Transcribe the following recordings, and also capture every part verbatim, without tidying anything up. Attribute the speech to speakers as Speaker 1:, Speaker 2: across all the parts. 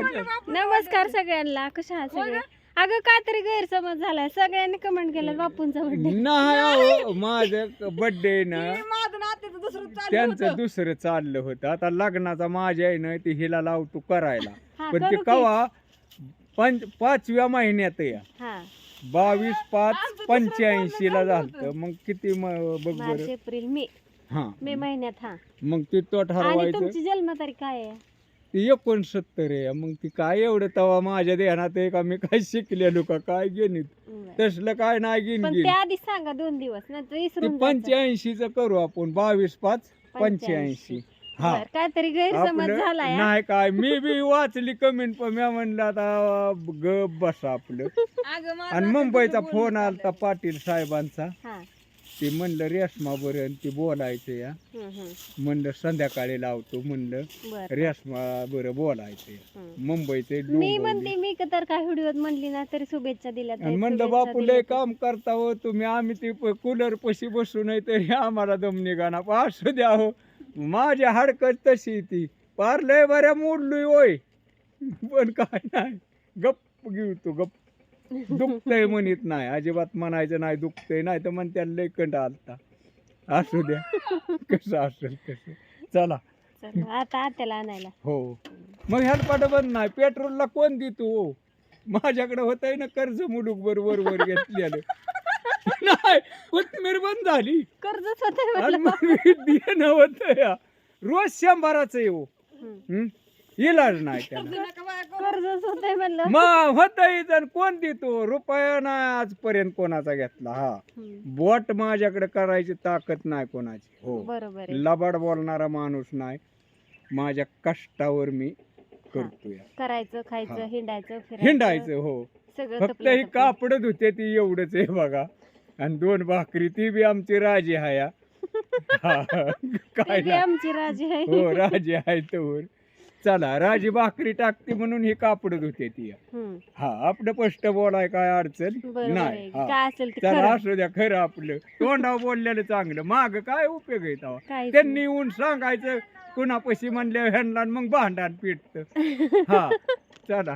Speaker 1: नमस्कार सगळ्यांना, कशा आहात सगळे? अगं काहीतरी गैरसमज झालाय, सगळ्यांनी कमेंट केलं बापूंचा बर्थडे
Speaker 2: नाही. माझं बर्थडे ना त्यांचं दुसरं चाललं होतं. आता लग्नाचा माझ्या आहे ना ती हिला लावतो करायला, पण ती कवा पंच पाचव्या महिन्यात या बावीस पाच पंच्याऐंशी ला झालं. मग किती बघ बरं,
Speaker 1: एप्रिल मे
Speaker 2: हा
Speaker 1: मे महिन्यात. हा
Speaker 2: मग ती तो ठरवायचं.
Speaker 1: तुमची जन्मतारीख काय आहे?
Speaker 2: ती एकोणसत्तर आहे. मग ती काय एवढं तवा माझ्या ध्यानात आहे का मी काय शिकलेलो का काय गणित तसलं काय नाही गिन
Speaker 1: पण
Speaker 2: गिन
Speaker 1: त्या आधी सांगा दोन दिवस नंतर विसरून
Speaker 2: पंच्याऐंशी च करू आपण. बावीस पाच पंच्याऐंशी. हा
Speaker 1: काहीतरी गैरसमज झालाय.
Speaker 2: नाही काय मी बी वाचली कमेंट, पण मी म्हणलं आता गप बसा आपलं. आणि मुंबईचा फोन आलता पाटील साहेबांचा. ते म्हणलं रेशमा बरं ती बोलायचं या. म्हणलं संध्याकाळी लावतो. म्हणलं रेशमा बरं बोलायचं मुंबईचे.
Speaker 1: मी म्हणते मी तर काय व्हिडिओत म्हणली ना तरी शुभेच्छा दिल्या.
Speaker 2: म्हणलं बापू लय काम करता हो तुम्ही, आम्ही ती कूलर पशी बसू नाही तरी आम्हाला दम निघाना. असू द्या हो, माझ्या हाडकत तशी ती पार लय बऱ्या मोडलोय होय, पण काय नाही गप्प घेऊ तू गप्प. दुखतय म्हणत नाही, अजिबात म्हणायचं नाही दुखतय, नाही तर म्हणत्या लय कंट आलता. असू द्या कसं असेल कसं. चला
Speaker 1: आता आत्याला आणायला.
Speaker 2: हो मग हेल्पाट बंद नाही. पेट्रोलला कोण देतो हो? माझ्याकडे होतंय ना कर्ज मुलूक बरोबर वर घेतलेलं. नाही कोथमीर बंद झाली,
Speaker 1: कर्जच होत
Speaker 2: देणं होत या रोज शंभराच येऊ इलाज नाही त्याला.
Speaker 1: कर्जच होतंय म्हणलं
Speaker 2: मग होतंय तर कोण देतो? रुपया नाही आजपर्यंत कोणाचा घेतला. हा बोट माझ्याकडे करायची ताकद नाही कोणाची. हो
Speaker 1: बरोबर,
Speaker 2: लबाड बोलणारा माणूस नाही. माझ्या कष्टावर मी करतोय.
Speaker 1: करायचं खायचं हिंडायचं
Speaker 2: हिंडायचं. हो फक्त ही कापड धुते ती एवढंच आहे बघा. आणि दोन भाकरी ती बी आमची राजी हाया.
Speaker 1: काय आमची राजी आहे.
Speaker 2: हो राजी आहे तर. चला राजी भाकरी टाकते म्हणून ही कापड धुते ती. हा आपलं स्पष्ट बोलाय काय अडचण नाही. चला असू द्या खरं आपलं तोंडावर बोललेलं चांगलं. माग काय उपयोग आहे तेव्हा? त्यांनी येऊन सांगायचं कुणापाशी म्हणले ह्यांना, मग भांडण पिटत. हा चला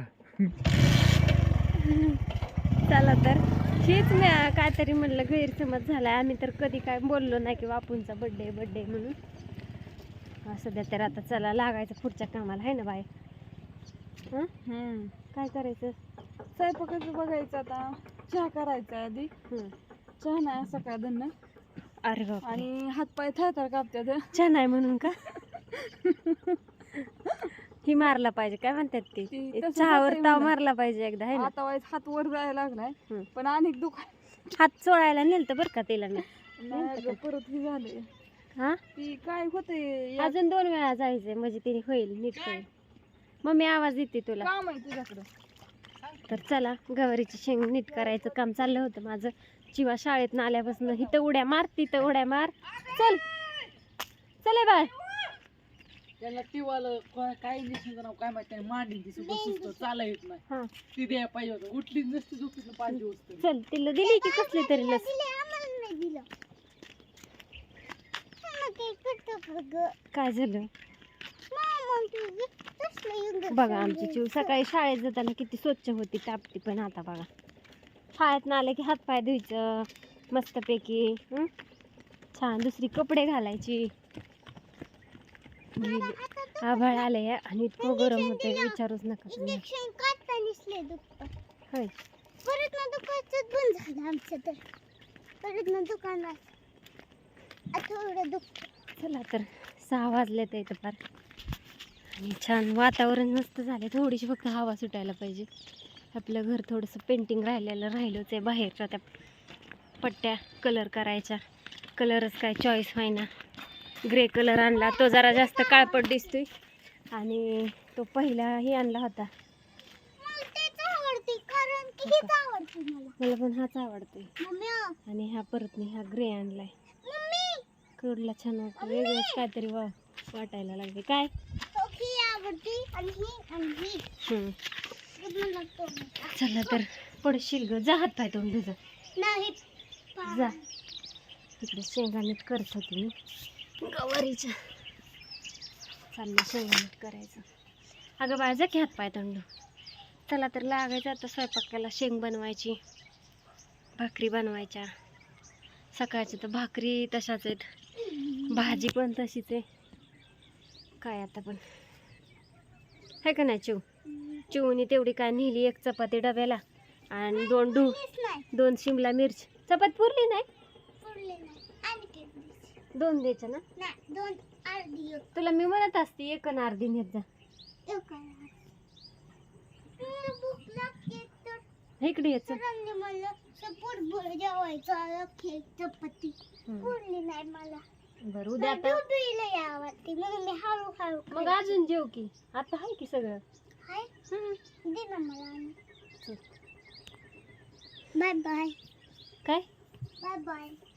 Speaker 1: चला तर हेच मी काहीतरी म्हणलं गैरसमज झालाय. आम्ही तर कधी काय बोललो नाही की बापूंचा बर्थडे बर्थडे म्हणून. असं द्या तर आता चला लागायचं पुढच्या कामाला आहे ना बाय. काय करायचं?
Speaker 3: स्वयंपाकाचं बघायचं. आता चहा करायचा आधी. चहा नाही सकाळ धन्न.
Speaker 1: अरे बाप,
Speaker 3: आणि हातपाय थरथर कापतात.
Speaker 1: चहा नाही म्हणून का? ही मारला पाहिजे काय म्हणतात ते, चहावर ताव मारला पाहिजे एकदा आहे ना.
Speaker 3: आता वाईस हात वर जायला लागलाय पण अनेक दुकान
Speaker 1: हात चोळायला नेलतं बरं का तिला मी.
Speaker 3: परत हे झाले.
Speaker 1: हा
Speaker 3: ती काय होते
Speaker 1: अजून दोन वेळा जायचंय म्हणजे तिने होईल नीट होईल. मम्मी आवाज देते तुला.
Speaker 3: काम आहे तुझ्याकडं.
Speaker 1: तर चला गवारीची शेंग नीट करायचं काम चाललं होतं माझं. चिवा शाळेत आल्यापासून इथं उड्या मार तिथं उड्या मार. चल चले बाय.
Speaker 4: त्याला तिवाला काय नाव काय माहिती मांडी दिसतो चाला येत नाही. ती द्या पाहिजे होतं, उठली नसती झोपली पाच दिवस.
Speaker 1: चल तिला दिली की कसली तरी लस. काय झालं बघा आमची चिव सकाळी शाळेत जाताना किती स्वच्छ होती टापटी, पण आता बघा शाळेत ना आलं की हातपाय धुयचं मस्तपैकी छान, दुसरी कपडे घालायची. आभाळ आले आणि इतकं गरम होते विचारूच नका तुम्ही. होय
Speaker 5: परत ना दुकानात बंद झालं आमचं. तर परत ना दुकानात थोडं दुख.
Speaker 1: चला तर सहा वाजले तर इथं फार आणि छान वातावरण मस्त झाले. थोडीशी फक्त हवा सुटायला पाहिजे. आपलं घर थोडंसं पेंटिंग राहिलेलं राहिलंच आहे. बाहेरच्या त्या पट्ट्या कलर करायच्या, कलरच काय चॉईस व्हायना. ग्रे कलर आणला तो जरा जास्त काळपट दिसतोय आणि तो पहिलाही आणला होता. मला पण हाच आवडतोय. आणि हा परत मी हा ग्रे आणलाय. कडला छान वाटतं, वेगळंच काहीतरी वा वाटायला लागले. काय चला तर पडशील ग, जा हात पाय तोंड तुझं जा. इकडे शेंगा नीट करत होती मी गवारीच्या. चाललं शेंगा नीट करायचं. अगं बाळा जा की हात पाय तंडू. चला तर लागायचं आता स्वयंपाकाला. शेंग बनवायची, भाकरी बनवायच्या. सकाळची तर भाकरी तशाच आहेत, भाजी पण तशीच आहे. काय आता पण आहे का नाही. चिव चिवनी तेवढी काय नेली, एक चपाती डब्याला आणि दोन डू दोन शिमला मिरची. चपाती पुरली नाही,
Speaker 5: पुरले नाही आणि केक द्यायचे.
Speaker 1: दोन द्यायच्या ना.
Speaker 5: नाही दोन अर्धी एक.
Speaker 1: तुला मी म्हणत असते एक आणि अर्धी नेत जा.
Speaker 5: एक करा. मला भूक लागते तर
Speaker 1: इकडे यायचं.
Speaker 5: सरांनी मला सपोर्ट भर जेवायचं केक चपाती पुरली नाही मला.
Speaker 1: बरं उद्या आता
Speaker 5: दुधीला यावरती म्हणून मी हळूहळू
Speaker 1: मग अजून जेव की. आता आहे की सगळं.
Speaker 5: हाय
Speaker 1: हम्म.
Speaker 5: दे ना मला आणि.
Speaker 1: चल.
Speaker 5: बाय बाय
Speaker 1: काय
Speaker 5: बाय बाय.